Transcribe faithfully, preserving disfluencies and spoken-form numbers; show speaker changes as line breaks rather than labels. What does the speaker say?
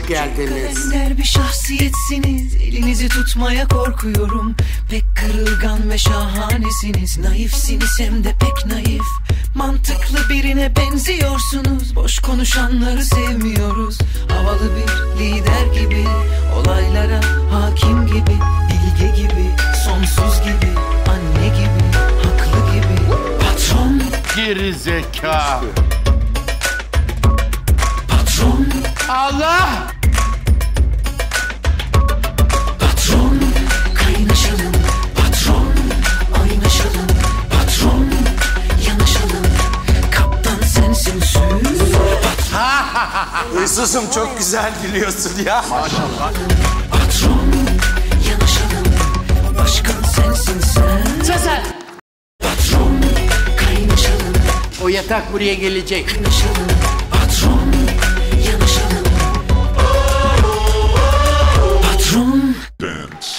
geldiniz.
Ender bir şahsiyetsiniz, elinizi tutmaya korkuyorum. Pek kırılgan ve şahanesiniz. Naifsiniz hem de pek naif. Mantıklı birine benziyorsunuz. Boş konuşanları sevmiyoruz. Havalı bir lider gibi, olaylara hakim gibi, bilge gibi, sonsuz gibi, anne gibi, haklı gibi. Patron,
Geri zeka.
patron,
Allah!
patron, kaynaşalım. Patron, oynaşalım. Patron, yanaşalım. Kaptan sensin sür.
Huysuzum, çok güzel gülüyorsun ya.
Maşallah.
Patron, yanaşalım. Başkan sensin sen.
Sezer!
Patron, kaynaşalım.
O yatak buraya gelecek.
Kaynaşalım. Patron, yanaşalım. Patron.
Dance.